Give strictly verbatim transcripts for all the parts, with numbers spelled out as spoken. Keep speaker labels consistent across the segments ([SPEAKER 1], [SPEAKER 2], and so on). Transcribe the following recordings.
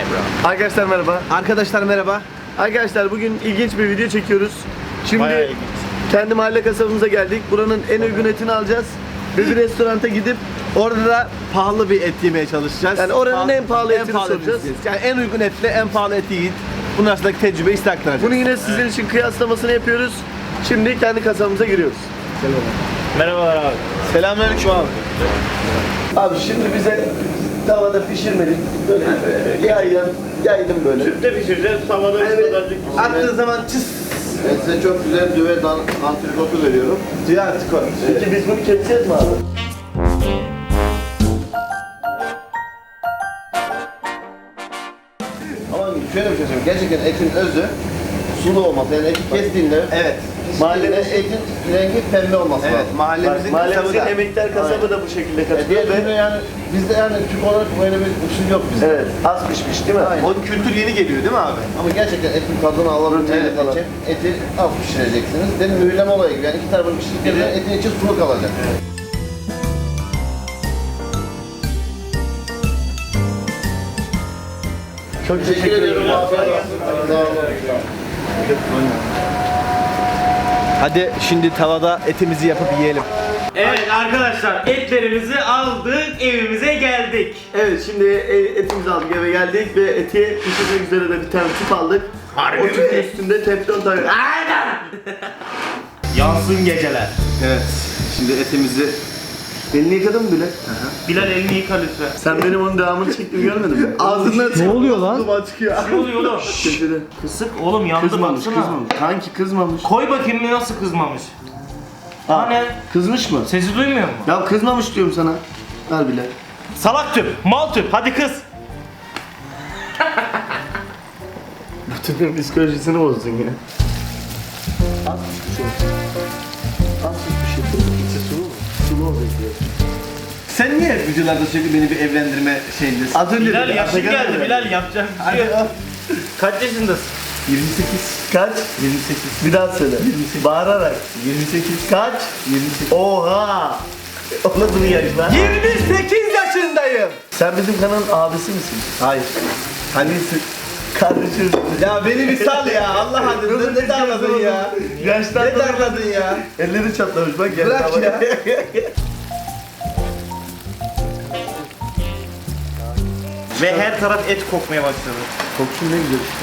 [SPEAKER 1] Arkadaşlar merhaba.
[SPEAKER 2] Arkadaşlar merhaba.
[SPEAKER 1] Arkadaşlar bugün ilginç bir video çekiyoruz. Şimdi kendi mahalle kasabımıza geldik. Buranın en uygun etini alacağız. Ve bir restoranta gidip
[SPEAKER 2] Orada da pahalı bir et yemeye çalışacağız.
[SPEAKER 1] Yani oranın en pahalı etini
[SPEAKER 2] pahalı
[SPEAKER 1] soracağız.
[SPEAKER 2] etini yiyeceğiz. Yani en uygun etle en pahalı eti yiyin. Bunun arasındaki tecrübeyi size aktaracağız.
[SPEAKER 1] bunu yine sizin için kıyaslamasını yapıyoruz. Şimdi kendi kasabımıza giriyoruz.
[SPEAKER 3] Merhabalar abi.
[SPEAKER 2] Selamünaleyküm abi.
[SPEAKER 1] Abi şimdi bize tavada pişirmedik. Böyle yaydım, yaydım böyle.
[SPEAKER 3] Tüpte pişireceğiz, tavada
[SPEAKER 1] Evet.
[SPEAKER 3] ısıtacak.
[SPEAKER 2] Attığı zaman çıs.
[SPEAKER 4] Ben size çok güzel düve dan antrikotu veriyorum.
[SPEAKER 2] Diyor artık o.
[SPEAKER 1] Peki biz bunu keseceğiz mi abi?
[SPEAKER 4] Ama şöyle bir şey söyleyeyim. Gerçekten etin özü sulu olması. Yani eti kestiğinde
[SPEAKER 2] Evet.
[SPEAKER 4] mahallede etin rengi pembe olması
[SPEAKER 2] Evet.
[SPEAKER 4] lazım.
[SPEAKER 2] Mahallemizin
[SPEAKER 1] Bak, mahallemizin
[SPEAKER 2] kasabı da.
[SPEAKER 1] emektar kasabı da bu şekilde
[SPEAKER 4] E,
[SPEAKER 1] katılıyor
[SPEAKER 4] diğer türlü
[SPEAKER 1] ve
[SPEAKER 4] yani bizde yani Türk olarak böyle bir usul yok bizde.
[SPEAKER 1] evet, az pişmiş değil mi?
[SPEAKER 4] Aynen.
[SPEAKER 2] O kültür yeni geliyor değil mi abi?
[SPEAKER 4] Ama gerçekten etin tadını alabilmeniz
[SPEAKER 1] Evet, falan.
[SPEAKER 4] için eti az pişireceksiniz. Demin mühürleme olayı gibi. Yani iki tarafını pişirdikten sonra etin içi sulu kalacak.
[SPEAKER 1] Çok
[SPEAKER 4] Teşekkür ediyorum. Afiyet olsun. Sağ olun.
[SPEAKER 2] Hadi şimdi tavada etimizi yapıp yiyelim.
[SPEAKER 3] Evet arkadaşlar, etlerimizi aldık, evimize geldik.
[SPEAKER 1] Evet, şimdi e, etimizi aldık, eve geldik ve eti pişirmek üzere de bir tane tüp aldık.
[SPEAKER 3] Harbi
[SPEAKER 1] O
[SPEAKER 3] mi?
[SPEAKER 1] tüpün üstünde teflon tabii.
[SPEAKER 3] Aynen. Yansın geceler.
[SPEAKER 2] Evet. Şimdi etimizi
[SPEAKER 1] Elini yıkadın mı bile?
[SPEAKER 3] Bilal elini yıka lütfen.
[SPEAKER 1] Sen benim onun devamını çektiğimi görmedin mi? Ağzından
[SPEAKER 2] Ne oluyor lan?
[SPEAKER 1] duman çıkıyor.
[SPEAKER 3] Ne oluyor oğlum?
[SPEAKER 1] Köşede.
[SPEAKER 3] Kısık oğlum, yandı
[SPEAKER 1] Kızmamış,
[SPEAKER 3] baksana.
[SPEAKER 1] kızmamış. Kanki kızmamış.
[SPEAKER 3] Koy bakayım bir nasıl kızmamış.
[SPEAKER 1] Ha,
[SPEAKER 3] ne?
[SPEAKER 1] Kızmış mı?
[SPEAKER 3] Sesi duymuyor mu?
[SPEAKER 1] Ya kızmamış diyorum sana. Ver bile.
[SPEAKER 3] Salak tüp, mal tüp, hadi kız.
[SPEAKER 1] Bu tüpün psikolojisini bozdun yine. Az pişmiş olsun. Az pişmiş olsun. İçi sulu mu? Sulu olacak diyor.
[SPEAKER 2] Sen niye videolarda sürekli beni bir evlendirme şeyindesin?
[SPEAKER 1] Az önce
[SPEAKER 3] Bilal
[SPEAKER 1] dedi,
[SPEAKER 3] yaşın
[SPEAKER 1] Atakan
[SPEAKER 3] geldi,
[SPEAKER 1] dedi.
[SPEAKER 3] Bilal yapacak bir şey yok. Kaç yaşındasın?
[SPEAKER 2] yirmi sekiz.
[SPEAKER 1] Kaç?
[SPEAKER 2] yirmi sekiz.
[SPEAKER 1] Bir daha söyle. Bağırarak.
[SPEAKER 2] yirmi sekiz.
[SPEAKER 1] Kaç?
[SPEAKER 2] yirmi sekiz.
[SPEAKER 1] Oha! O nasıl bir yaş lan?
[SPEAKER 2] yirmi sekiz yaşındayım.
[SPEAKER 1] Sen bizim kanalın abisi misin?
[SPEAKER 2] Hayır.
[SPEAKER 1] Hanisin. Kardeşim.
[SPEAKER 2] Ya beni bir sal ya. Allah adına ne darladın ya?
[SPEAKER 1] Yaştan
[SPEAKER 2] Ne darladın ya?
[SPEAKER 1] Elleri çatlamış bak. gel
[SPEAKER 2] Bırak
[SPEAKER 1] baba.
[SPEAKER 2] ya.
[SPEAKER 3] Ve her taraf et kokmaya başladı.
[SPEAKER 1] Koksun ne güzel işte.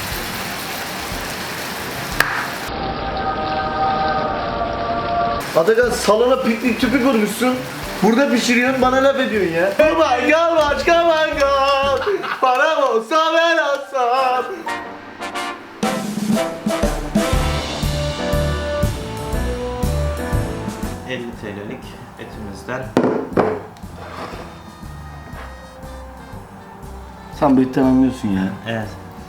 [SPEAKER 1] Atakan salona piknik tüpü kurmuşsun. Burada pişiriyorsun bana laf ediyorsun ya. Oh my god, başka my god. Param olsa ben alsam.
[SPEAKER 3] elli TL'lik etimizden.
[SPEAKER 1] Sen bu etten anlıyorsun ya.
[SPEAKER 3] Evet.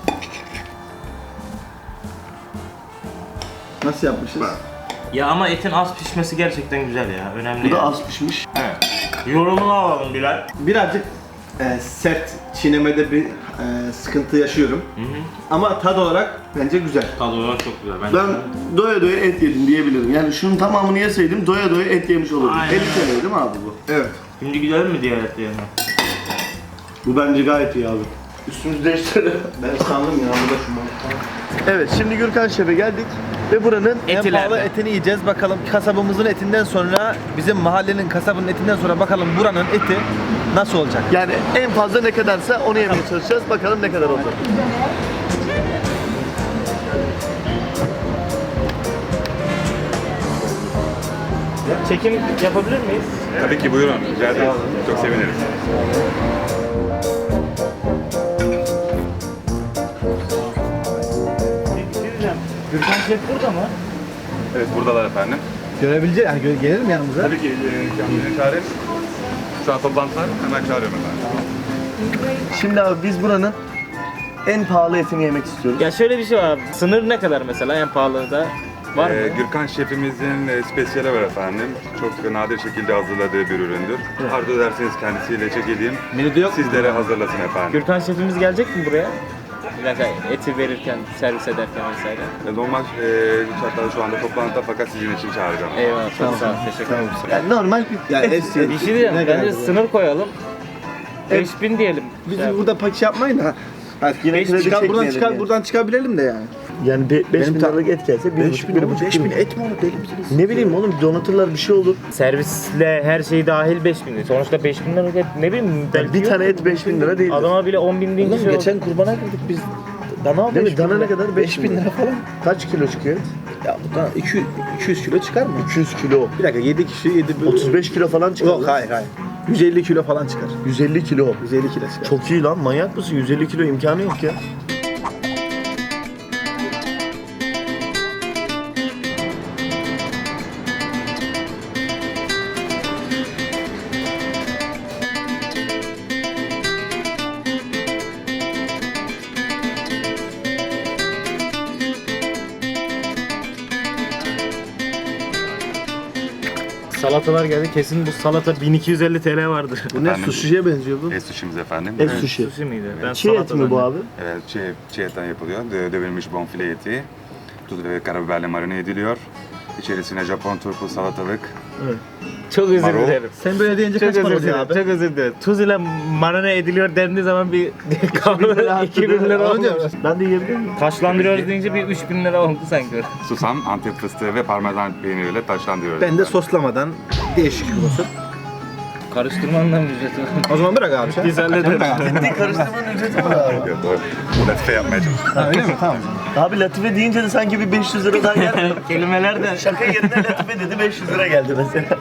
[SPEAKER 1] Nasıl yapmışız?
[SPEAKER 3] Ya ama etin az pişmesi gerçekten güzel ya, önemli.
[SPEAKER 1] Bu da
[SPEAKER 3] yani.
[SPEAKER 1] az pişmiş.
[SPEAKER 3] Evet. Yorumunu alalım Bilal.
[SPEAKER 2] Birazcık e, sert çiğnemede bir e, sıkıntı yaşıyorum.
[SPEAKER 3] Hı hı.
[SPEAKER 2] Ama tad olarak bence güzel.
[SPEAKER 3] Tadı olarak çok güzel. Ben,
[SPEAKER 1] Ben doya doya et yedim diyebilirim. Yani şunun tamamını yeseydim doya doya et yemiş olurdum.
[SPEAKER 3] Aynen.
[SPEAKER 1] elli T L değil mi abi bu?
[SPEAKER 2] Evet.
[SPEAKER 3] Şimdi gidelim mi diğer etlerine?
[SPEAKER 1] Bu bence gayet iyi abi. Üstümüzü değiştirelim.
[SPEAKER 2] Ben sandım ya bu da şu mantıklı.
[SPEAKER 1] Evet, şimdi Gürkan Şef'e geldik ve buranın
[SPEAKER 2] En
[SPEAKER 3] Etiler
[SPEAKER 2] pahalı
[SPEAKER 3] mi?
[SPEAKER 2] etini yiyeceğiz. Bakalım kasabımızın etinden sonra, bizim mahallenin kasabının etinden sonra bakalım buranın eti nasıl olacak?
[SPEAKER 1] yani en fazla ne kadarsa onu yemeye çalışacağız. Bakalım ne kadar olacak.
[SPEAKER 3] Çekim yapabilir miyiz?
[SPEAKER 5] Tabii ki buyurun. Rica ederim. Çok seviniriz.
[SPEAKER 3] Bir şey diyeceğim. Gürkan Şef burada mı?
[SPEAKER 5] Evet buradalar efendim.
[SPEAKER 2] Görebilecek, yani gö- gelir mi yanımıza?
[SPEAKER 5] Tabii ki e, kendini çağırın. Şu an toplantılar. Hemen çağırıyorum efendim.
[SPEAKER 1] Şimdi abi biz buranın en pahalı etini yemek istiyoruz.
[SPEAKER 3] Ya şöyle bir şey var abi. Sınır ne kadar mesela en pahalı da? Var
[SPEAKER 5] Ee,
[SPEAKER 3] mı?
[SPEAKER 5] Gürkan şefimizin e, spesiyeli var efendim. Çok nadir şekilde hazırladığı bir üründür. Arzu ederseniz kendisiyle çekileyim.
[SPEAKER 2] Menüde yok mu?
[SPEAKER 5] Sizlere hazırlasın efendim.
[SPEAKER 3] Gürkan Şefimiz gelecek mi buraya? Mesela eti verirken, servis ederken vesaire.
[SPEAKER 5] E, Normal e, hatta şu anda toplantıda fakat sizin için çağıracağım.
[SPEAKER 3] Eyvallah, çok sağ ol, teşekkür ederim.
[SPEAKER 1] Yani normal bir
[SPEAKER 2] Ya
[SPEAKER 1] et
[SPEAKER 2] et-
[SPEAKER 1] istiyoruz.
[SPEAKER 3] Bir şey diyeceğim,
[SPEAKER 2] Ne
[SPEAKER 3] bence
[SPEAKER 2] kadar bu?
[SPEAKER 3] sınır koyalım. beş bin diyelim.
[SPEAKER 2] Biz
[SPEAKER 3] Ya,
[SPEAKER 2] burada paç yapmayın da Hadi
[SPEAKER 1] Yine
[SPEAKER 2] beş
[SPEAKER 1] kredi
[SPEAKER 2] çıkar, buradan
[SPEAKER 1] çekmeyelim
[SPEAKER 2] çıkar,
[SPEAKER 1] yani.
[SPEAKER 2] buradan çıkabilelim de yani.
[SPEAKER 1] Yani beş
[SPEAKER 2] Benim
[SPEAKER 1] bin
[SPEAKER 2] ta-
[SPEAKER 1] liralık et gelse bir
[SPEAKER 2] beş
[SPEAKER 1] buçuk,
[SPEAKER 2] bin
[SPEAKER 1] bir
[SPEAKER 2] ama
[SPEAKER 1] buçuk
[SPEAKER 2] beş
[SPEAKER 1] kilo.
[SPEAKER 2] bin et mi olur deli misiniz?
[SPEAKER 1] Ne bileyim oğlum donatırlar bir şey olur.
[SPEAKER 3] Servisle her şey dahil beş bin lira. Sonuçta beş bin lira et ne bileyim.
[SPEAKER 1] Yani
[SPEAKER 3] belki
[SPEAKER 1] bir
[SPEAKER 3] yok.
[SPEAKER 1] tane et beş bin lira değil.
[SPEAKER 3] Adama bile on bin deyince
[SPEAKER 2] Oğlum
[SPEAKER 3] şey oldu.
[SPEAKER 2] geçen kurbana girdik biz. Dana
[SPEAKER 1] Değil
[SPEAKER 2] beş
[SPEAKER 1] mi?
[SPEAKER 2] bin
[SPEAKER 1] Dana ne
[SPEAKER 2] lira.
[SPEAKER 1] kadar?
[SPEAKER 2] beş bin lira falan.
[SPEAKER 1] Kaç kilo çıkıyor et?
[SPEAKER 2] Ya bu da iki yüz kilo çıkar mı?
[SPEAKER 1] iki yüz kilo.
[SPEAKER 2] Bir dakika yedi kişi yedi
[SPEAKER 1] otuz beş kilo falan çıkar.
[SPEAKER 2] Yok hayır hayır. yüz elli kilo falan çıkar.
[SPEAKER 1] yüz elli kilo.
[SPEAKER 2] yüz elli kilo çıkar.
[SPEAKER 1] Çok iyi lan, manyak mısın? yüz elli kilo imkanı yok ya.
[SPEAKER 3] Salatalar geldi. Kesin bu salata bin iki yüz elli T L vardır.
[SPEAKER 2] Bu ne
[SPEAKER 5] Efendim?
[SPEAKER 2] sushi'ye benziyor bu.
[SPEAKER 5] Et sushi'miz efendim.
[SPEAKER 1] Et
[SPEAKER 5] Evet.
[SPEAKER 1] sushi.
[SPEAKER 3] Sushi miydi? Ben
[SPEAKER 1] Çiğ et
[SPEAKER 3] salata
[SPEAKER 1] mi bu
[SPEAKER 3] zannettim.
[SPEAKER 1] abi?
[SPEAKER 5] Evet, çiğ, çiğ etten yapılıyor. Dö- Dövülmüş bonfile eti. Tuz ve karabiberle marine ediliyor. İçerisine Japon turpu salatalık.
[SPEAKER 3] Çok özür
[SPEAKER 5] Marul.
[SPEAKER 3] dilerim.
[SPEAKER 2] Sen böyle deyince
[SPEAKER 3] Çok
[SPEAKER 2] kaç para
[SPEAKER 3] özür
[SPEAKER 2] oluyor
[SPEAKER 3] dilerim.
[SPEAKER 2] abi?
[SPEAKER 3] Çok özür dilerim. Tuz ile marine ediliyor dendiği zaman bir iki bin lira
[SPEAKER 2] Onu
[SPEAKER 3] oldu.
[SPEAKER 2] diyorum.
[SPEAKER 1] Ben de yiyebilir miyim?
[SPEAKER 3] Taşlandırıyoruz deyince bir üç bin lira oldu sanki.
[SPEAKER 5] Susam, Antep fıstığı ve parmesan peyniriyle taşlandırıyoruz.
[SPEAKER 2] Ben de soslamadan değişik olsun.
[SPEAKER 3] Karıştırmanın ücreti var.
[SPEAKER 2] O zaman bırak abi sen.
[SPEAKER 3] Biz hallederiz.
[SPEAKER 2] Bırak abi.
[SPEAKER 1] Karıştırmanın ücreti var abi.
[SPEAKER 5] Evet, doğru. Bu latife yapmaya çalışıyorum.
[SPEAKER 2] Ha, öyle mi? Tamam.
[SPEAKER 1] Abi latife deyince de sanki bir beş yüz lira daha geldi.
[SPEAKER 3] Kelimeler de
[SPEAKER 1] Şaka yerine latife dedi beş yüz lira geldi mesela.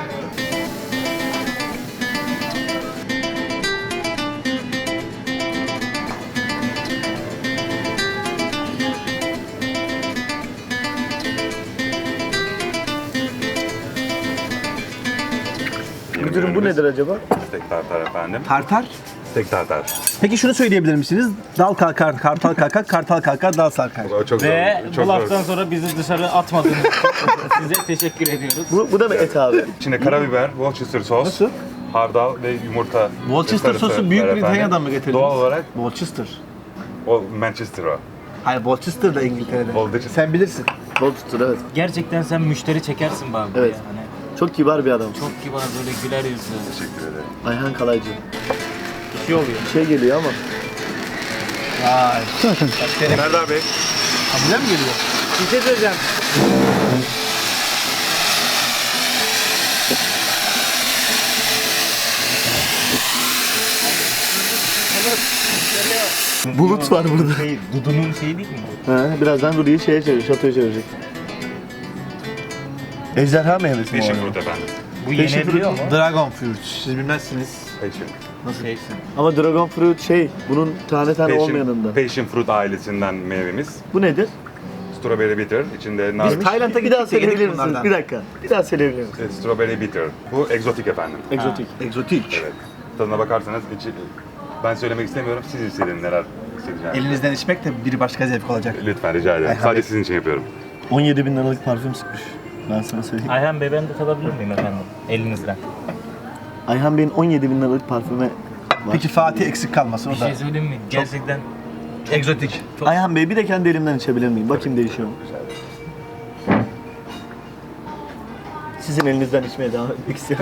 [SPEAKER 1] Müdürüm bu nedir acaba?
[SPEAKER 5] Steak tartar efendim.
[SPEAKER 2] Tartar.
[SPEAKER 5] Steak tartar.
[SPEAKER 2] Peki şunu söyleyebilir misiniz? Dal kalkar, kartal kalkar, kartal kalkar, dal sarkar.
[SPEAKER 5] O çok
[SPEAKER 3] ve
[SPEAKER 5] zor.
[SPEAKER 3] bu
[SPEAKER 5] Çok
[SPEAKER 3] laftan
[SPEAKER 5] zor.
[SPEAKER 3] sonra bizi dışarı atmadınız. Size teşekkür ediyoruz.
[SPEAKER 1] Bu, bu da mı et abi?
[SPEAKER 5] İçine karabiber, Worcester sos,
[SPEAKER 2] Nasıl?
[SPEAKER 5] hardal ve yumurta.
[SPEAKER 2] Worcester
[SPEAKER 5] sarısı
[SPEAKER 2] sosu Büyük
[SPEAKER 5] var efendim.
[SPEAKER 2] Britanya'dan mı getirdiniz?
[SPEAKER 5] Doğal olarak
[SPEAKER 2] Worcester.
[SPEAKER 5] o Manchester o.
[SPEAKER 2] Hayır Worcester da İngiltere'de.
[SPEAKER 5] Worcester.
[SPEAKER 2] Sen bilirsin.
[SPEAKER 1] Bol tutur evet.
[SPEAKER 3] Gerçekten sen müşteri çekersin bana.
[SPEAKER 1] Evet.
[SPEAKER 3] Yani.
[SPEAKER 1] Çok kibar bir adam.
[SPEAKER 3] Çok kibar böyle güler yüzlü.
[SPEAKER 5] Teşekkür ederim.
[SPEAKER 1] Ayhan Kalaycı.
[SPEAKER 3] Bir şey oluyor.
[SPEAKER 1] Bir şey geliyor ama.
[SPEAKER 2] Vay.
[SPEAKER 5] Serdar Bey.
[SPEAKER 2] Ha bize mi geliyor?
[SPEAKER 3] Bir şey söyleyeceğim.
[SPEAKER 1] Bulut var burada.
[SPEAKER 3] Şey, Dudu'nun şeyi değil mi bu?
[SPEAKER 1] Ha, birazdan Rudy'yi şeye çevirecek, şatoya çevirecek. Ejderha meyvesi mi o?
[SPEAKER 5] Passion
[SPEAKER 1] yani?
[SPEAKER 5] fruit efendim.
[SPEAKER 3] Bu
[SPEAKER 1] Passion
[SPEAKER 3] yenebiliyor mu?
[SPEAKER 2] Dragon fruit. Siz bilmezsiniz.
[SPEAKER 5] Passion.
[SPEAKER 3] Nasıl şeysin?
[SPEAKER 1] Ama dragon fruit şey, bunun tane tane olmayanında.
[SPEAKER 5] Passion fruit ailesinden meyvemiz.
[SPEAKER 1] Bu nedir?
[SPEAKER 5] Strawberry bitter. İçinde nar.
[SPEAKER 1] Biz Tayland'a bir daha
[SPEAKER 2] gittik de
[SPEAKER 1] söyleyebilir
[SPEAKER 2] yedik
[SPEAKER 1] misiniz?
[SPEAKER 2] bunlardan.
[SPEAKER 1] Bir dakika. Bir daha söyleyebilir misiniz?
[SPEAKER 5] Evet, Strawberry bitter. Bu egzotik efendim.
[SPEAKER 1] Egzotik.
[SPEAKER 2] Egzotik.
[SPEAKER 5] Evet. Tadına bakarsanız içi, ben söylemek istemiyorum. Siz hissedin neler hissedeceğinizi.
[SPEAKER 2] Elinizden içmek de bir başka zevk olacak.
[SPEAKER 5] Lütfen rica ederim.
[SPEAKER 2] Ayhan
[SPEAKER 5] Sadece
[SPEAKER 2] Bey.
[SPEAKER 5] sizin için yapıyorum.
[SPEAKER 1] on yedi bin liralık parfüm sıkmış. Ben sana söyleyeyim.
[SPEAKER 3] Ayhan Bey ben de tadabilir miyim efendim? Elinizden.
[SPEAKER 1] Ayhan Bey'in on yedi bin liralık parfüme var.
[SPEAKER 2] Peki Fatih eksik kalmasın
[SPEAKER 3] Bir
[SPEAKER 2] o da.
[SPEAKER 3] şey söyleyeyim mi? Gerçekten
[SPEAKER 2] Egzotik.
[SPEAKER 1] Ayhan Bey bir de kendi elimden içebilir miyim? Bakayım değişiyor mu? Sizin elinizden içmeye devam etmek istiyorum.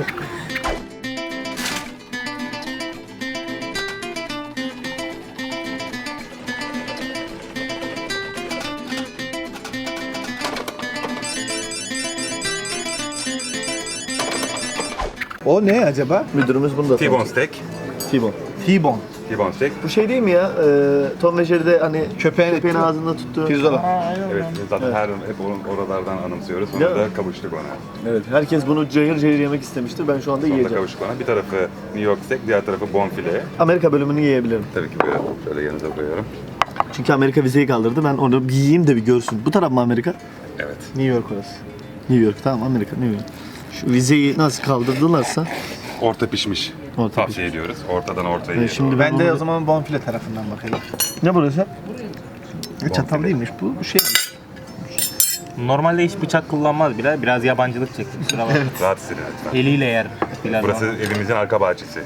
[SPEAKER 2] O ne acaba?
[SPEAKER 1] Müdürümüz bunu da
[SPEAKER 5] T-bone
[SPEAKER 1] tanıtıyor.
[SPEAKER 5] steak.
[SPEAKER 1] T-bone.
[SPEAKER 2] T-bone.
[SPEAKER 5] T-bone steak.
[SPEAKER 1] Bu şey değil mi ya? Ee, Tom ve Jerry'de hani
[SPEAKER 2] Köpeğin,
[SPEAKER 1] köpeğin ağzında tuttuğu.
[SPEAKER 2] Pirzola.
[SPEAKER 5] Evet, zaten her hep or- oralardan anımsıyoruz.
[SPEAKER 1] Değil
[SPEAKER 5] Sonra
[SPEAKER 1] mi?
[SPEAKER 5] da kavuştuk ona.
[SPEAKER 1] Evet. Herkes bunu cayır cayır yemek istemiştir. Ben şu anda
[SPEAKER 5] Sonra da
[SPEAKER 1] yiyeceğim.
[SPEAKER 5] kavuştuk ona. Bir tarafı New York steak, diğer tarafı bonfile.
[SPEAKER 1] Amerika bölümünü yiyebilirim.
[SPEAKER 5] Tabii ki böyle şöyle yanınıza koyuyorum.
[SPEAKER 1] Çünkü Amerika vizeyi kaldırdı. Ben onu bir yiyeyim de bir görsün. Bu taraf mı Amerika?
[SPEAKER 5] Evet.
[SPEAKER 1] New York orası. New York tamam Amerika New York. Şu vizeyi nasıl kaldırdılarsa
[SPEAKER 5] Orta pişmiş.
[SPEAKER 1] Orta
[SPEAKER 5] Tavsiye ediyoruz. Ortadan ortaya.
[SPEAKER 1] Evet, şimdi
[SPEAKER 5] doğru.
[SPEAKER 1] ben
[SPEAKER 2] Ben de
[SPEAKER 1] onu-
[SPEAKER 2] o zaman bonfile tarafından bakayım.
[SPEAKER 1] ne burası?
[SPEAKER 2] Ne çatal değilmiş bu. Bu şey.
[SPEAKER 3] normalde hiç bıçak kullanmaz bile. Biraz yabancılık çekti. Kusura bakma.
[SPEAKER 5] Rahat hissedin lütfen.
[SPEAKER 3] Eliyle yer. Bilal
[SPEAKER 5] Burası
[SPEAKER 3] bana.
[SPEAKER 5] evimizin arka bahçesi.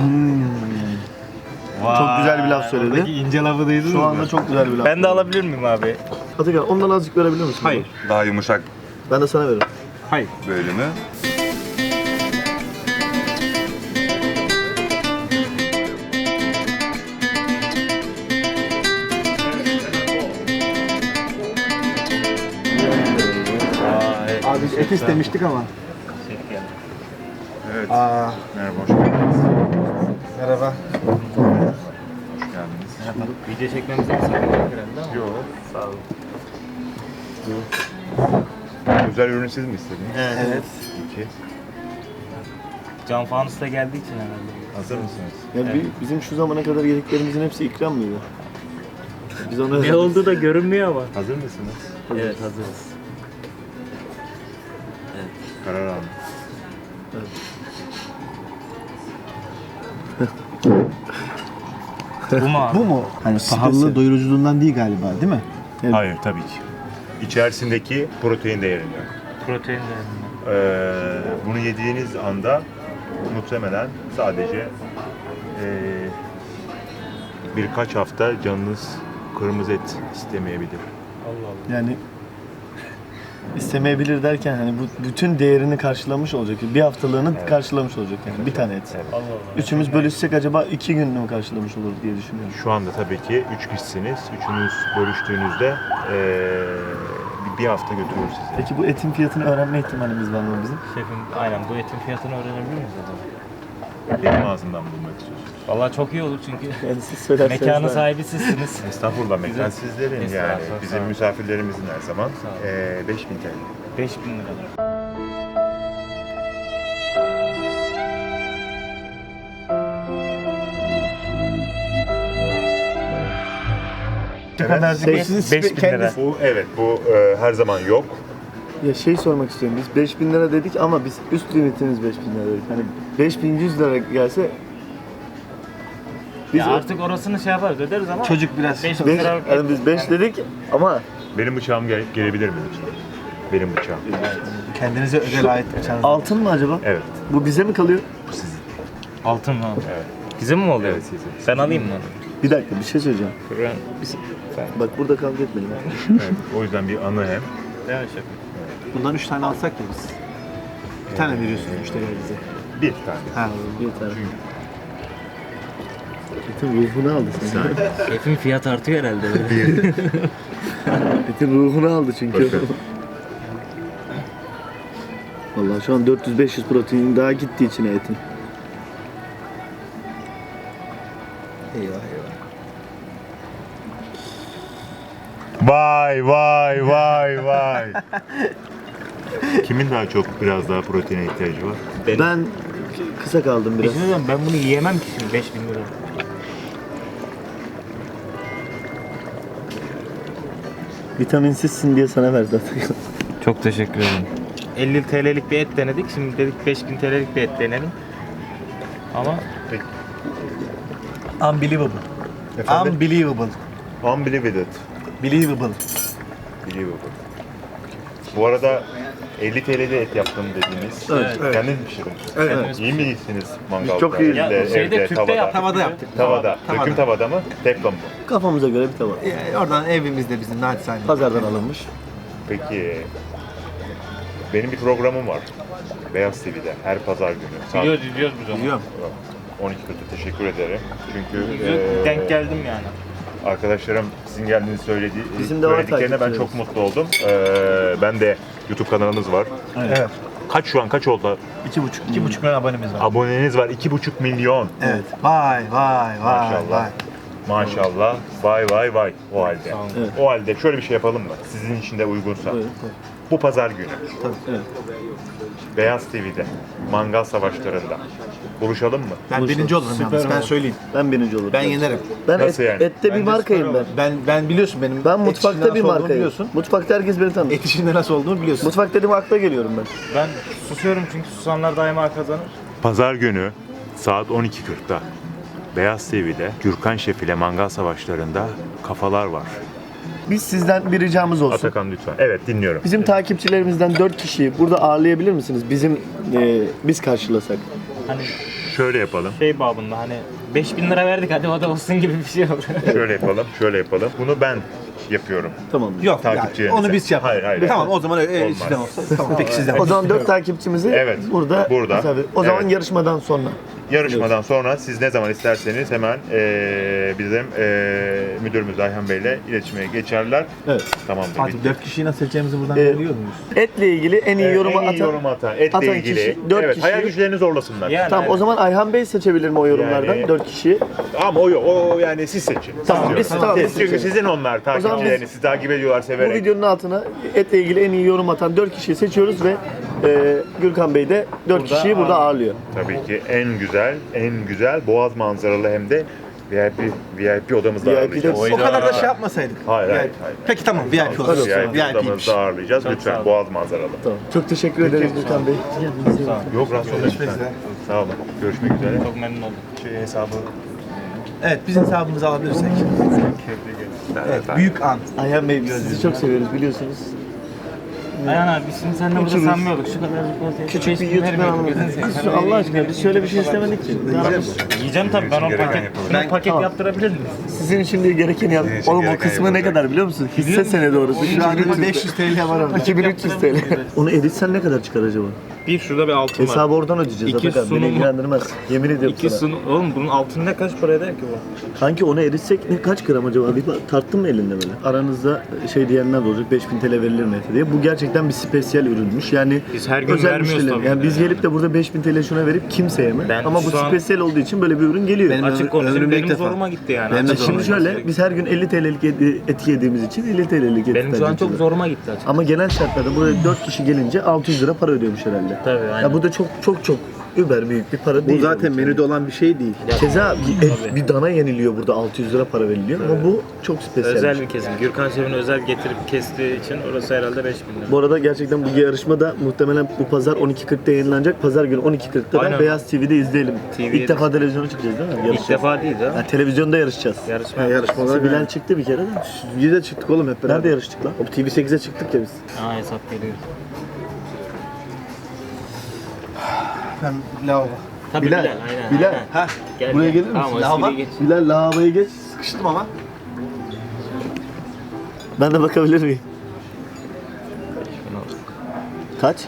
[SPEAKER 1] Çok güzel bir laf söyledi.
[SPEAKER 3] Oradaki ince lafı duydunuz
[SPEAKER 1] Şu
[SPEAKER 3] mu?
[SPEAKER 1] anda çok güzel bir laf.
[SPEAKER 3] Ben de alabilir miyim abi?
[SPEAKER 1] Atakan ondan azıcık verebilir misin?
[SPEAKER 3] Hayır.
[SPEAKER 5] Daha yumuşak
[SPEAKER 1] Ben de sana veririm.
[SPEAKER 3] Hayır.
[SPEAKER 5] bölümü.
[SPEAKER 2] Et istemiştik ama.
[SPEAKER 5] Evet.
[SPEAKER 2] Aa,
[SPEAKER 5] Merhaba, hoş geldiniz.
[SPEAKER 2] merhaba.
[SPEAKER 5] Hoş geldiniz.
[SPEAKER 3] Video çekmemize mi sakın herhalde ama.
[SPEAKER 5] Yok.
[SPEAKER 3] Sağ olun.
[SPEAKER 5] Özel ürün siz mi istediniz?
[SPEAKER 2] Evet.
[SPEAKER 5] İki.
[SPEAKER 3] Can Fanus da geldiği için herhalde.
[SPEAKER 5] Hazır mısınız?
[SPEAKER 1] Ya bi- bizim şu zamana kadar yediklerimizin hepsi ikram mıydı? Biz ona
[SPEAKER 3] Ne olduğu da görünmüyor ama.
[SPEAKER 5] Hazır mısınız?
[SPEAKER 3] Evet hazırız.
[SPEAKER 5] Karar alın.
[SPEAKER 3] Bu mu abi?
[SPEAKER 2] Bu mu? Hani pahalılığı doyuruculuğundan değil galiba, değil mi?
[SPEAKER 6] Hayır tabii ki. İçerisindeki protein değerinden.
[SPEAKER 3] Protein değerinden.
[SPEAKER 6] Ee, bunu yediğiniz anda muhtemelen sadece ee, birkaç hafta canınız kırmızı et istemeyebilir.
[SPEAKER 3] Allah Allah.
[SPEAKER 1] yani istemeyebilir derken hani bu bütün değerini karşılamış olacak. Bir haftalığını karşılamış olacak yani bir tane et.
[SPEAKER 3] Allah Allah.
[SPEAKER 1] Üçümüz bölüşsek acaba iki gününü mü karşılamış olur diye düşünüyorum.
[SPEAKER 6] Şu anda tabii ki üç kişisiniz. Üçünüz bölüştüğünüzde ee, bir- bir hafta götürür sizi.
[SPEAKER 1] Peki bu etin fiyatını öğrenme ihtimalimiz var mı bizim?
[SPEAKER 3] Şefim aynen bu etin fiyatını öğrenebilir miyiz acaba?
[SPEAKER 6] Benim ağzımdan bulmak istiyorsunuz.
[SPEAKER 3] Vallahi çok iyi olur çünkü
[SPEAKER 1] Yani siz söylerseniz
[SPEAKER 3] mekanın
[SPEAKER 1] daha-
[SPEAKER 3] sahibi sizsiniz.
[SPEAKER 6] Estağfurullah, mekan sizlerin yani.
[SPEAKER 3] Estağfurullah, sağ
[SPEAKER 6] Bizim
[SPEAKER 3] olun.
[SPEAKER 6] misafirlerimizin her zaman
[SPEAKER 3] Sağ olun.
[SPEAKER 6] ee, beş bin T L.
[SPEAKER 3] beş bin lira.
[SPEAKER 6] Evet.
[SPEAKER 1] Siz-
[SPEAKER 3] beş bin lira.
[SPEAKER 6] Bu evet bu e, her zaman yok.
[SPEAKER 1] Ya şey sormak istiyorum. Biz beş bin lira dedik ama biz üst limitimiz beş bin lira dedik. Hani beş bin yüz lira gelse biz
[SPEAKER 3] Ya artık orasını şey yaparız öderiz ama
[SPEAKER 2] Çocuk biraz.
[SPEAKER 3] beş bin
[SPEAKER 1] beş,
[SPEAKER 3] lira
[SPEAKER 1] yani biz beş dedik ama
[SPEAKER 6] Benim bıçağım gel- gelebilir mi lütfen? Benim bıçağım.
[SPEAKER 2] Kendinize özel ait bıçağınız.
[SPEAKER 1] altın mı acaba?
[SPEAKER 6] Evet.
[SPEAKER 1] Bu bize mi kalıyor?
[SPEAKER 3] altın mı?
[SPEAKER 6] Evet.
[SPEAKER 3] Bizim mi oluyor?
[SPEAKER 6] Evet, sizin.
[SPEAKER 3] Ben alayım mı?
[SPEAKER 1] Bir dakika bir şey söyleyeceğim.
[SPEAKER 3] Ben, biz,
[SPEAKER 1] Bak burada kavga etmedim.
[SPEAKER 6] Evet. O yüzden bir anı hem.
[SPEAKER 3] Değil mi şefim?
[SPEAKER 2] Bundan üç tane alsak da biz. Bir tane veriyorsunuz müşterilerinize.
[SPEAKER 6] Bir tane.
[SPEAKER 2] Ha.
[SPEAKER 1] Bir tane. Etin ruhunu aldı sen.
[SPEAKER 3] Şefim fiyat artıyor herhalde.
[SPEAKER 1] Etin ruhunu aldı çünkü. Vallahi şu an dört yüz beş yüz protein daha gitti içine etin.
[SPEAKER 2] Eyvah eyvah.
[SPEAKER 6] Vay vay vay vay. Kimin daha çok biraz daha proteine ihtiyacı var?
[SPEAKER 1] Ben kısa kaldım
[SPEAKER 3] Bir
[SPEAKER 1] biraz.
[SPEAKER 3] şey diyeceğim, ben bunu yiyemem ki şimdi beş bin lira.
[SPEAKER 1] Vitaminsizsin diye sana verdi zaten.
[SPEAKER 3] Çok teşekkür ederim. elli T L'lik bir et denedik. Şimdi dedik beş bin T L'lik bir et denelim. Ama
[SPEAKER 2] Unbelievable.
[SPEAKER 6] Efendim?
[SPEAKER 2] Unbelievable.
[SPEAKER 6] Unbelievable.
[SPEAKER 2] Believable.
[SPEAKER 6] Believable. Bu arada elli T L'de et yaptım dediğiniz.
[SPEAKER 1] Evet.
[SPEAKER 6] Kendiniz mi pişirdiniz?
[SPEAKER 1] Evet.
[SPEAKER 6] İyi misiniz mangalda?
[SPEAKER 1] çok iyiyiz.
[SPEAKER 3] ya
[SPEAKER 6] Evde,
[SPEAKER 3] şeyde
[SPEAKER 6] evde,
[SPEAKER 3] tüpte
[SPEAKER 6] tavada.
[SPEAKER 3] yaptık.
[SPEAKER 2] Tavada
[SPEAKER 3] biz.
[SPEAKER 2] yaptık.
[SPEAKER 6] Tavada.
[SPEAKER 2] Tavada.
[SPEAKER 6] Döküm tavada mı? Teflon mu?
[SPEAKER 1] Kafamıza göre bir tava.
[SPEAKER 2] Ee, oradan evimizde bizim naçizane.
[SPEAKER 1] Pazardan alınmış.
[SPEAKER 6] Peki benim bir programım var. Beyaz T V'de her pazar günü. Saat
[SPEAKER 3] Biliyoruz, biliyoruz biz onu.
[SPEAKER 2] Biliyorum.
[SPEAKER 6] on iki kırkta teşekkür ederim. Çünkü
[SPEAKER 3] Ee,
[SPEAKER 6] eee,
[SPEAKER 3] Denk geldim yani.
[SPEAKER 6] arkadaşlarım sizin geldiğinizi söyledi,
[SPEAKER 1] Bizim de var
[SPEAKER 6] söylediklerine ben
[SPEAKER 1] takipçilerimiz.
[SPEAKER 6] çok mutlu oldum. Eee, ben de YouTube kanalınız var.
[SPEAKER 2] Evet.
[SPEAKER 6] Kaç şu an kaç oldu?
[SPEAKER 2] İki buçuk. İki buçuk milyon abonemiz var.
[SPEAKER 6] Aboneniz var iki buçuk milyon.
[SPEAKER 2] Evet. Vay vay vay
[SPEAKER 6] Maşallah.
[SPEAKER 2] vay.
[SPEAKER 6] Maşallah. Vay vay vay. O halde.
[SPEAKER 1] Evet.
[SPEAKER 6] O halde şöyle bir şey yapalım mı? Sizin için de uygunsa.
[SPEAKER 1] Buyurun.
[SPEAKER 6] Bu pazar günü
[SPEAKER 1] Evet.
[SPEAKER 6] Beyaz T V'de mangal savaşlarında buluşalım mı?
[SPEAKER 2] Ben
[SPEAKER 1] Buluşalım.
[SPEAKER 2] birinci olurum
[SPEAKER 1] Süper
[SPEAKER 2] yalnız. Ben
[SPEAKER 1] olur.
[SPEAKER 2] söyleyeyim.
[SPEAKER 1] Ben birinci olurum.
[SPEAKER 2] Ben yenerim.
[SPEAKER 1] Ben
[SPEAKER 6] Nasıl
[SPEAKER 1] et,
[SPEAKER 6] yani?
[SPEAKER 1] ette bir markayım ben.
[SPEAKER 2] Ben ben biliyorsun benim.
[SPEAKER 1] Ben
[SPEAKER 2] et
[SPEAKER 1] mutfakta
[SPEAKER 2] işinde
[SPEAKER 1] bir
[SPEAKER 2] nasıl olduğumu
[SPEAKER 1] markayım.
[SPEAKER 2] biliyorsun.
[SPEAKER 1] Mutfakta herkes beni tanır.
[SPEAKER 2] Et işinde nasıl olduğunu biliyorsun.
[SPEAKER 1] Mutfak dedim akla geliyorum ben.
[SPEAKER 3] Ben susuyorum çünkü susanlar daima kazanır.
[SPEAKER 6] Pazar günü saat on iki kırkta Beyaz T V'de Gürkan Şef ile mangal savaşlarında kafalar var.
[SPEAKER 1] Biz sizden bir ricamız olsun.
[SPEAKER 6] Atakan lütfen. Evet dinliyorum.
[SPEAKER 1] Bizim takipçilerimizden dört kişiyi burada ağırlayabilir misiniz? Bizim e, biz karşılasak.
[SPEAKER 3] Hani
[SPEAKER 6] Şöyle yapalım.
[SPEAKER 3] şey babında hani beş bin lira verdik hadi o da olsun gibi bir şey oldu.
[SPEAKER 6] Şöyle yapalım. Şöyle yapalım. Bunu ben yapıyorum.
[SPEAKER 2] Tamam. Yok yani
[SPEAKER 6] Takipçilerinize.
[SPEAKER 2] onu biz yapalım.
[SPEAKER 6] Hayır, hayır.
[SPEAKER 2] Tamam o zaman öyle
[SPEAKER 6] Olmaz.
[SPEAKER 2] sizden olsa. Tamam peki sizden.
[SPEAKER 1] O zaman dört takipçimizi
[SPEAKER 6] Evet,
[SPEAKER 1] burada,
[SPEAKER 6] burada.
[SPEAKER 1] misafir- O zaman
[SPEAKER 6] Evet.
[SPEAKER 1] yarışmadan sonra.
[SPEAKER 6] Yarışmadan sonra siz ne zaman isterseniz hemen eee bizim eee müdürümüz Ayhan Bey'le iletişime geçerler.
[SPEAKER 2] Evet.
[SPEAKER 6] Tamamdır.
[SPEAKER 2] Artık
[SPEAKER 6] bitti.
[SPEAKER 2] dört kişiyi nasıl seçeceğimizi buradan
[SPEAKER 1] Ee,
[SPEAKER 2] biliyor muyuz?
[SPEAKER 1] Etle ilgili en iyi
[SPEAKER 6] Evet,
[SPEAKER 1] yorumu
[SPEAKER 6] en iyi
[SPEAKER 1] atan.
[SPEAKER 6] yorum atan, etle
[SPEAKER 1] atan
[SPEAKER 6] ilgili.
[SPEAKER 1] kişi, dört
[SPEAKER 6] evet,
[SPEAKER 1] kişi.
[SPEAKER 6] hayal güçlerini zorlasınlar.
[SPEAKER 3] Yani,
[SPEAKER 1] Tamam o zaman Ayhan Bey seçebilir mi o yorumlardan
[SPEAKER 6] Yani-
[SPEAKER 1] dört kişiyi?
[SPEAKER 6] Ama o yok, o yani siz seçin.
[SPEAKER 1] Tamam,
[SPEAKER 6] Siz
[SPEAKER 1] biz-
[SPEAKER 6] diyorsunuz.
[SPEAKER 1] tamam,
[SPEAKER 6] Siz
[SPEAKER 1] biz
[SPEAKER 6] çünkü
[SPEAKER 1] seçelim.
[SPEAKER 6] sizin onlar
[SPEAKER 1] zaman
[SPEAKER 6] takipçileriniz,
[SPEAKER 1] biz-
[SPEAKER 6] sizi takip ediyorlar
[SPEAKER 1] Bu
[SPEAKER 6] severek.
[SPEAKER 1] videonun altına etle ilgili en iyi yorum atan dört kişiyi seçiyoruz ve e, Gürkan Bey de dört
[SPEAKER 6] Burada
[SPEAKER 1] kişiyi burada ağırlıyor.
[SPEAKER 6] Tabii ki en güzel, en güzel boğaz manzaralı hem de V I P V I P odamızda
[SPEAKER 1] V I P'de
[SPEAKER 6] ağırlayacağız.
[SPEAKER 2] O kadar da şey yapmasaydık.
[SPEAKER 6] Hayır, hayır,
[SPEAKER 2] V I P.
[SPEAKER 6] hayır.
[SPEAKER 2] Peki tamam V I P olsun.
[SPEAKER 6] V I P
[SPEAKER 2] V I P'ymiş.
[SPEAKER 6] odamızda ağırlayacağız.
[SPEAKER 3] Çok sağ
[SPEAKER 6] Lütfen
[SPEAKER 3] olun.
[SPEAKER 6] boğaz manzaralı.
[SPEAKER 1] Tamam. Çok teşekkür ederiz Gürkan Bey.
[SPEAKER 6] Yok rahatsız olun. Sağ olun. Görüşmek üzere.
[SPEAKER 3] Çok memnun oldum.
[SPEAKER 6] Şey hesabı.
[SPEAKER 2] Evet bizim hesabımızı alabilirsek. Evet büyük an.
[SPEAKER 1] Ayhan Bey biz sizi çok seviyoruz biliyorsunuz.
[SPEAKER 3] Ayhan abi biz şimdi seninle burada
[SPEAKER 1] Küçük-
[SPEAKER 3] sanmıyorduk. Şu kadarcık ortaya.
[SPEAKER 1] Küçük bir YouTube kanalı. Biz Allah aşkına biz şöyle bir şey istemedik ki.
[SPEAKER 3] Yiyeceğim tabii ben o
[SPEAKER 5] Gereken
[SPEAKER 3] paket,
[SPEAKER 5] yapalım.
[SPEAKER 3] ben paket
[SPEAKER 1] Tamam.
[SPEAKER 3] yaptırabilir miyim?
[SPEAKER 1] Sizin için diye gerekeni yap.
[SPEAKER 5] Sizin için
[SPEAKER 1] Oğlum o
[SPEAKER 5] gereken
[SPEAKER 1] kısmı ne
[SPEAKER 5] yapılacak.
[SPEAKER 1] kadar biliyor musun? Hisse senedi orası.
[SPEAKER 2] Şu an beş yüz T L var orada.
[SPEAKER 1] iki bin üç yüz T L. Onu editsen ne kadar çıkar acaba?
[SPEAKER 3] Bir şurada bir altın var.
[SPEAKER 1] Hesabı oradan ödeyeceğiz
[SPEAKER 3] İki
[SPEAKER 1] Atakan. Beni
[SPEAKER 3] sunum-
[SPEAKER 1] ilgilendirmez. Yemin ediyorum
[SPEAKER 3] İki
[SPEAKER 1] sana.
[SPEAKER 3] sunu... Oğlum bunun altını ne kaç para eder ki bu?
[SPEAKER 1] Kanki onu eritsek ne kaç gram acaba? Bir bak, tarttın mı elinde böyle? Aranızda şey diyenler de olacak. beş bin T L verilir mi diye. Bu gerçekten bir spesiyel ürünmüş. Yani
[SPEAKER 3] Biz her gün
[SPEAKER 1] özel
[SPEAKER 3] vermiyoruz
[SPEAKER 1] müşteriler.
[SPEAKER 3] tabii
[SPEAKER 1] Yani
[SPEAKER 3] ki
[SPEAKER 1] biz
[SPEAKER 3] de
[SPEAKER 1] gelip de burada beş bin T L şuna verip kimse yeme.
[SPEAKER 3] Ben
[SPEAKER 1] Ama bu
[SPEAKER 3] şu an-
[SPEAKER 1] spesiyel olduğu için böyle bir ürün geliyor.
[SPEAKER 2] Benim
[SPEAKER 3] Açık konuşayım
[SPEAKER 2] ömrümde ilk
[SPEAKER 3] benim
[SPEAKER 2] defa.
[SPEAKER 3] zoruma gitti yani.
[SPEAKER 2] Benim de
[SPEAKER 3] Açık
[SPEAKER 1] Şimdi
[SPEAKER 2] zoruma
[SPEAKER 3] konuşayım.
[SPEAKER 1] şöyle biz her gün elli T L'lik eti, eti yediğimiz için elli T L'lik eti
[SPEAKER 3] Benim şu an
[SPEAKER 1] tercih
[SPEAKER 3] çok
[SPEAKER 1] ediyoruz.
[SPEAKER 3] zoruma gitti açık.
[SPEAKER 1] Ama genel şartlarda buraya dört kişi gelince altı yüz lira para ödüyormuş herhalde.
[SPEAKER 3] Tabii, aynen.
[SPEAKER 1] Ya bu da çok çok çok über büyük bir para
[SPEAKER 2] Bu
[SPEAKER 1] değil.
[SPEAKER 2] zaten
[SPEAKER 1] tabii ki.
[SPEAKER 2] menüde olan bir şey değil.
[SPEAKER 1] Keza bir, et,
[SPEAKER 3] Tabii.
[SPEAKER 1] bir dana yeniliyor burada altı yüz lira para veriliyor ama bu çok spesiyel.
[SPEAKER 3] Özel bir kesim. Gürkan Şef'in özel getirip kestiği için orası herhalde beş bin lira.
[SPEAKER 1] Bu arada gerçekten bu yarışma da muhtemelen bu pazar on iki kırkta yayınlanacak. Pazar günü on iki kırkta da
[SPEAKER 3] Aynen.
[SPEAKER 1] Beyaz T V'de izleyelim.
[SPEAKER 3] T V'ye
[SPEAKER 1] İlk defa televizyona çıkacağız değil mi?
[SPEAKER 3] İlk
[SPEAKER 1] Yarışacağız.
[SPEAKER 3] defa değil ha.
[SPEAKER 1] Ha, televizyonda yarışacağız.
[SPEAKER 3] Yarışma.
[SPEAKER 2] Ha, yarışma olarak
[SPEAKER 1] Bilal
[SPEAKER 2] yani.
[SPEAKER 1] çıktı bir kere de.
[SPEAKER 2] Biz de çıktık oğlum hep beraber.
[SPEAKER 1] Nerede yarıştık lan?
[SPEAKER 2] O T V sekize çıktık ya biz.
[SPEAKER 3] Aa hesap geliyor.
[SPEAKER 2] Ben lavabo.
[SPEAKER 3] Tabii
[SPEAKER 1] Bilal,
[SPEAKER 3] Bilal, aynen.
[SPEAKER 1] Bilal.
[SPEAKER 3] aynen.
[SPEAKER 2] Ha
[SPEAKER 3] Gel,
[SPEAKER 2] buraya
[SPEAKER 3] gel.
[SPEAKER 2] gelir misin?
[SPEAKER 3] Tamam, o
[SPEAKER 2] Lavabo.
[SPEAKER 3] espriyi geç.
[SPEAKER 1] Bilal lavaboya geç.
[SPEAKER 2] Sıkıştım ama.
[SPEAKER 1] Ben de bakabilir miyim? Kaç?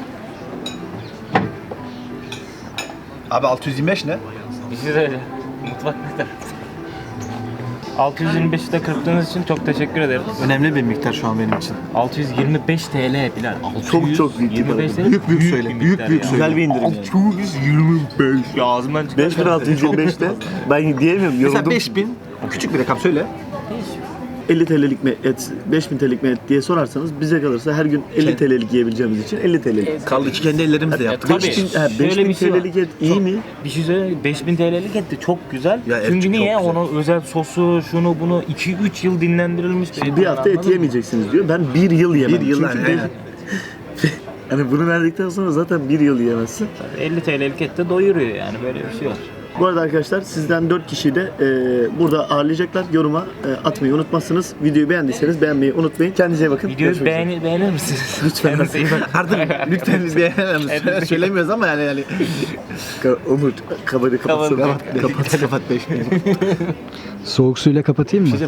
[SPEAKER 2] Abi altı yüz yirmi beş ne?
[SPEAKER 3] Bir şey söyle. Mutfak ne tarafta? altı yüz yirmi beşi de kırptığınız için çok teşekkür ederiz.
[SPEAKER 2] Önemli bir miktar şu an benim için.
[SPEAKER 3] altı yüz yirmi beş T L Bilal.
[SPEAKER 1] Çok çok büyük bir para.
[SPEAKER 3] yirmi beş
[SPEAKER 2] Büyük büyük söyle,
[SPEAKER 3] bir
[SPEAKER 2] büyük
[SPEAKER 3] miktar
[SPEAKER 2] büyük
[SPEAKER 3] ya.
[SPEAKER 2] söyle.
[SPEAKER 1] Güzel bir indirim yani.
[SPEAKER 3] Ya ağzımdan çıkan
[SPEAKER 1] beş bin altı yüz yirmi beşte ben diyemiyorum
[SPEAKER 2] Mesela
[SPEAKER 1] yoruldum.
[SPEAKER 2] beş bin, küçük bir rakam söyle.
[SPEAKER 1] elli T L'lik mi et, beş bin T L'lik mi et diye sorarsanız bize kalırsa her gün elli T L'lik yiyebileceğimiz için elli T L'lik.
[SPEAKER 2] Kaldı ki kendi ellerimizle yaptık.
[SPEAKER 3] tabii.
[SPEAKER 1] beş bin, ha,
[SPEAKER 3] Şöyle
[SPEAKER 1] beş bin
[SPEAKER 3] bir şey var.
[SPEAKER 1] T L'lik et iyi mi?
[SPEAKER 3] Bir şey söyleyeyim mi? beş bin T L'lik etti çok güzel.
[SPEAKER 2] Ya, evet,
[SPEAKER 3] Çünkü
[SPEAKER 2] çok
[SPEAKER 3] niye?
[SPEAKER 2] güzel.
[SPEAKER 3] Onun özel sosu, şunu bunu iki üç yıl dinlendirilmiş bir et.
[SPEAKER 1] Bir hafta et
[SPEAKER 3] anladın mı?
[SPEAKER 1] yemeyeceksiniz diyor. Ben bir yıl yemem.
[SPEAKER 2] Bir yıl
[SPEAKER 1] Çünkü
[SPEAKER 2] yani,
[SPEAKER 1] beş-
[SPEAKER 2] aynen.
[SPEAKER 1] Hani bunu verdikten sonra zaten bir yıl yiyemezsin.
[SPEAKER 3] elli T L'lik et de doyuruyor yani böyle bir şey var.
[SPEAKER 1] Bu arada arkadaşlar sizden dört kişiyi de e, burada ağırlayacaklar. Yoruma e, atmayı unutmazsınız. Videoyu beğendiyseniz beğenmeyi unutmayın. Kendinize iyi bakın.
[SPEAKER 3] Videoyu
[SPEAKER 1] Görüşmek üzere.
[SPEAKER 3] beğeni, beğenir misiniz?
[SPEAKER 1] Lütfen.
[SPEAKER 3] Kendinize iyi bakın.
[SPEAKER 2] Artık lütfen biz beğenelim. Söylemiyoruz ama yani yani.
[SPEAKER 1] Ka- Umut kamerayı kapatsana.
[SPEAKER 3] Kapat.
[SPEAKER 1] Kapat.
[SPEAKER 2] Kapat beş bin.
[SPEAKER 7] Soğuk suyla kapatayım mı?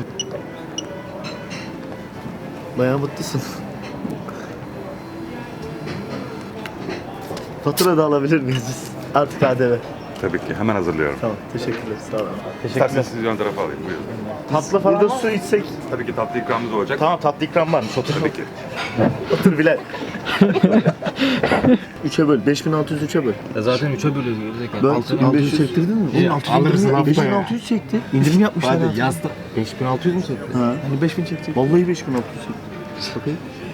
[SPEAKER 1] Bayağı mutlusun. Fatura da alabilir miyiz biz? Artık A D V.
[SPEAKER 5] Tabii ki hemen hazırlıyorum.
[SPEAKER 1] Tamam. Teşekkürler. Sağ olun.
[SPEAKER 5] İsterseniz sizi ön tarafa alayım. Buyurun.
[SPEAKER 3] Tatlı falan
[SPEAKER 1] Burada
[SPEAKER 3] var.
[SPEAKER 1] su içsek.
[SPEAKER 5] Tabii ki tatlı ikramımız olacak.
[SPEAKER 3] Tamam tatlı ikram var mı? Otur.
[SPEAKER 5] Tabii ki.
[SPEAKER 1] Otur Bilal. üçe böl. beş bin altı yüz üçe böl.
[SPEAKER 3] Ya zaten üçe bölüyoruz gerizekalı.
[SPEAKER 1] Ben
[SPEAKER 3] Altı bin
[SPEAKER 1] altı
[SPEAKER 3] beş
[SPEAKER 1] yüz
[SPEAKER 3] yüz.
[SPEAKER 1] çektirdin mi?
[SPEAKER 3] Ya, alırsın hafta
[SPEAKER 1] beş bin
[SPEAKER 3] ya.
[SPEAKER 1] altı yüz çekti. İndirim yapmışlar.
[SPEAKER 3] Hadi yazdı. beş bin altı yüz mü çekti?
[SPEAKER 1] Ha.
[SPEAKER 2] Hani beş bin çekecek.
[SPEAKER 1] Vallahi beş bin altı yüz çekti. Bakayım.